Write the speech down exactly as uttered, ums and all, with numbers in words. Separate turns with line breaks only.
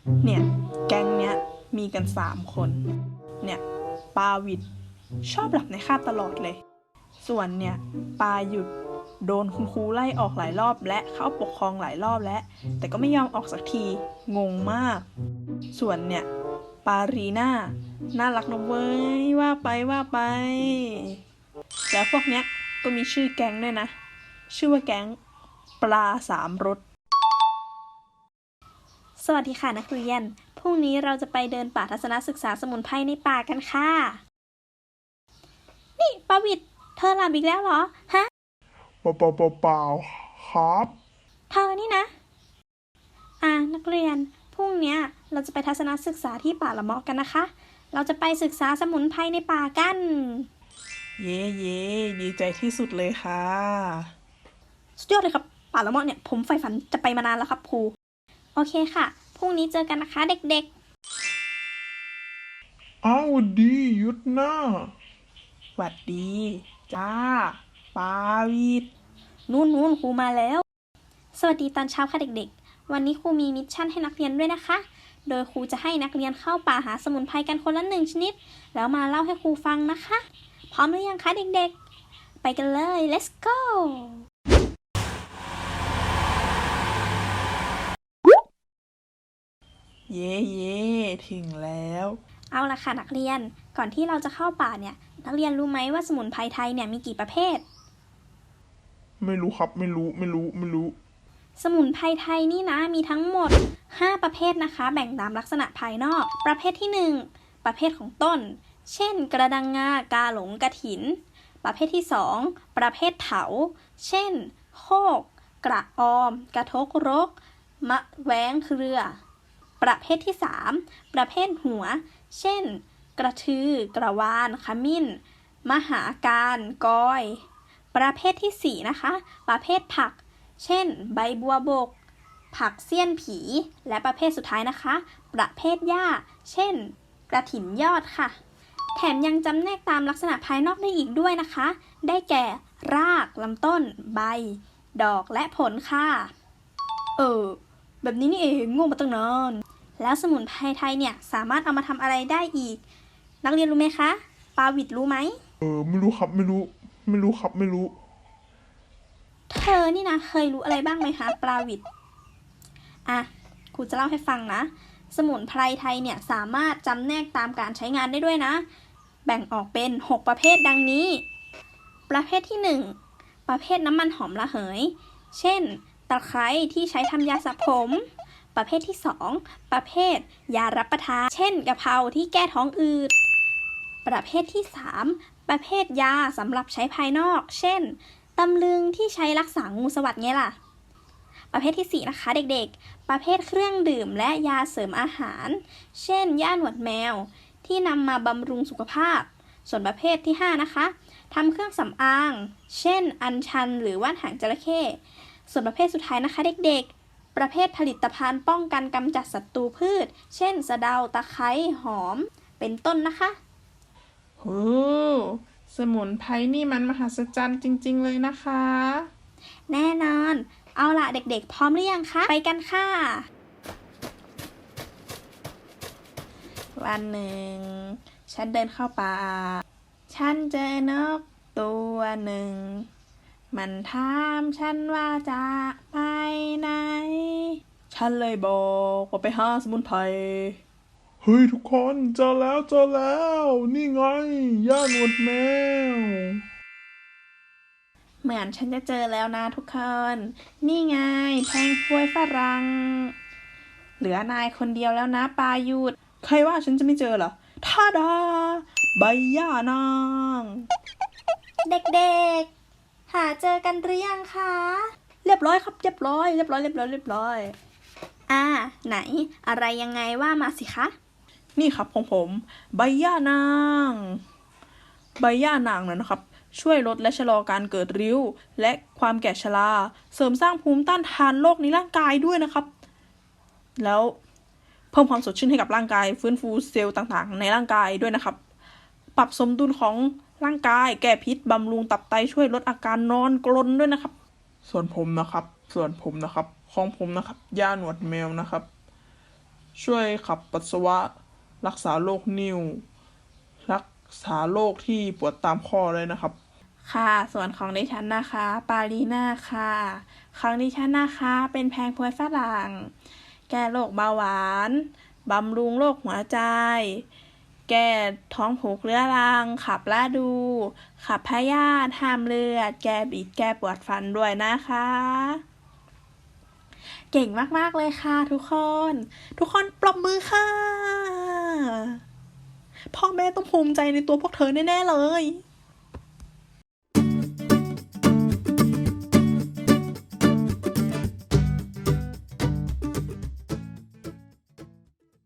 เนี่ยแก๊งเนี้ยมีกันสามคนเนี่ยปาวิดชอบหลับในคาบตลอดเลย ส่วนเนี่ยปาหยุดโดนคุณครูไล่ออกหลายรอบและเข้าปกครองหลายรอบแล้วแต่ก็ไม่ยอมออกสักทีงงมาก ส่วนเนี่ยปารีน่าน่ารักนะเว้ยว่าไปว่าไปแล้วพวกเนี้ยก็มีชื่อแก๊งด้วยนะชื่อว่าแก๊งปลาสามรส
สวัสดีค่ะนักเรียน พรุ่งนี้เราจะไปเดินป่าทัศนศึกษาสมุนไพรในป่ากันค่ะ นี่ปาวิดเธอหลับอีกแล้วเหรอ ฮะ
เปล่าเปล่าเปล่าเปล่าครับ
เธอนี่นะ อ่านักเรียน พรุ่งนี้เราจะไปทัศนศึกษาที่ป่าละเมาะกันนะคะ เราจะไปศึกษาสมุนไพรในป่ากัน
เย่เย่ดีใจที่สุดเลยค่ะ
สุดยอดเลยครับ ป่าละเมาะเนี่ยผมใฝ่ฝันจะไปมานานแล้วครับครู โอเคค่ะ พรุ่งนี้เจอกันนะคะเด็กๆ
อ้าวดีหยุดหน้า
หวัดดีจ้าปาวิด
นู่นนู่นครูมาแล้ว สวัสดีตอนเช้าค่ะเด็กๆ วันนี้ครูมีมิชชั่นให้นักเรียนด้วยนะคะ โดยครูจะให้นักเรียนเข้าป่าหาสมุนไพรกันคนละหนึ่งชนิด แล้วมาเล่าให้ครูฟังนะคะ พร้อมหรือยังคะเด็กๆ ไปกันเลย let's go
เย่เย่ถึงแล้ว
เอาละค่ะนักเรียน ก่อนที่เราจะเข้าป่าเนี่ย นักเรียนรู้ไหมว่าสมุนไพรไทยเนี่ยมีกี่ประเภท
ไม่รู้ครับไม่รู้ไม่รู้ไม่รู้
สมุนไพรไทยนี่นะมีทั้งหมดห้าประเภทนะคะ แบ่งตามลักษณะภายนอก ประเภทที่หนึ่งประเภทของต้น เช่น กระดังงากาหลงกระถิน ประเภทที่สองประเภทเถาเช่น โคก กระออม กระทกรก มะแว้งเครือ ประเภทที่สามประเภทหัว เช่น กระทือ กระวาน ขมิ้น มหาการกอย ประเภทที่สี่นะคะ ประเภทผัก เช่น ใบบัวบก ผักเสี้ยนผี และประเภทสุดท้ายนะคะ ประเภทหญ้า เช่น กระถินยอดค่ะ แถมยังจำแนกตามลักษณะภายนอกได้อีกด้วยนะคะ ได้แก่ ราก ลำต้น ใบ ดอก และผลค่ะ เออ แบบนี้นี่เองงงมาตั้งนาน แล้วสมุนไพรไทยเนี่ยสามารถเอามาทำอะไรได้อีก นักเรียนรู้ไหมคะ ปาวิดรู้ไหม
เออไม่รู้ครับไม่รู้ ไม่รู้ครับไม่รู้
เธอนี่นะเคยรู้อะไรบ้างไหมคะปลาวิดอ่ะครูจะเล่าให้ฟังนะ สมุนไพรไทยเนี่ยสามารถจำแนกตามการใช้งานได้ด้วยนะ แบ่งออกเป็นหกประเภทดังนี้ ประเภทที่หนึ่งประเภทน้ำมันหอมระเหย เช่น ตะไคร้ที่ใช้ทำยาสระผม ประเภทที่สองประเภทยารับประทาน เช่นกะเพราที่แก้ท้องอืด ประเภทที่สามประเภทยาสำหรับใช้ภายนอก เช่น ตำลึงที่ใช้รักษางูสวัสด์ไงล่ะ ประเภทที่สี่นะคะเด็กๆ ประเภทเครื่องดื่มและยาเสริมอาหาร เช่นย่าหนวดแมวที่นำมาบำรุงสุขภาพ ส่วนประเภทที่ห้านะคะทำเครื่องสำอาง เช่น อัญชันหรือว่านหางจระเข้ ส่วนประเภทสุดท้ายนะคะเด็กๆ ประเภทผลิตภัณฑ์ป้องกันกำจัดศัตรูพืช เช่น สะเดา ตะไคร้หอม เป็นต้นนะคะ
โอ้สมุนไพรนี่มันมหัศจรรย์จริงๆเลยนะคะ
แน่นอน เอาล่ะเด็กๆ พร้อมหรือยังคะ ไปกันค่ะ
วันหนึ่ง ฉันเดินเข้าป่า ฉันเจอนกตัวหนึ่ง มันถามฉันว่าจะไปไหน ฉันเลยบอกว่าไปหาสมุนไพร
เฮ้ยทุกคนเจอแล้วเจอแล้ว นี่ไงย่าหนวดแมว
เหมือนฉันจะเจอแล้วนะทุกคน นี่ไงแพงพวยฝรั่ง เหลือนายคนเดียวแล้วนะปายุด ใครว่าฉันจะไม่เจอเหรอท่าดา ใบย่านาง
เด็กๆ หาเจอกันหรือยังคะ
เรียบร้อยครับเรียบร้อยเรียบร้อยเรียบร้อยเรียบร้อย
อ่า ไหน อะไรยังไงว่ามาสิคะ
นี่ครับของผม ใบย่านาง ใบย่านางนั้นนะครับ ช่วยลดและชะลอการเกิดริ้ว และความแก่ชรา เสริมสร้างภูมิต้านทานโรคในร่างกายด้วยนะครับ แล้วเพิ่มความสดชื่นให้กับร่างกาย ฟื้นฟูเซลล์ต่างๆ ในร่างกายด้วยนะครับ ปรับสมดุลของร่างกาย แก้พิษบำรุงตับไตช่วยลดอาการนอนกรนด้วยนะครับ
ส่วนผมนะครับ ส่วนผมนะครับ ของผมนะครับย่าหนวดแมวนะครับช่วยขับปัสสาวะ รักษาโรคนิ่ว รักษาโรคที่ปวดตามข้อเลยนะครับ
ค่ะ ส่วนของดิฉันนะคะ ปาลีน่าค่ะ ของดิฉันนะคะ เป็นแพงพวยฝรั่ง แก้โรคเบาหวาน บำรุงโรคหัวใจ แก้ท้องผูกเรื้อรัง ขับลาดู ขับพยาธิห้ามเลือด แก้บิด แก้ปวดฟันด้วยนะคะ เก่งมากๆเลยค่ะทุกคน ทุกคนปรบมือค่ะ พ่อแม่ต้องภูมิใจในตัวพวกเธอแน่ๆเลย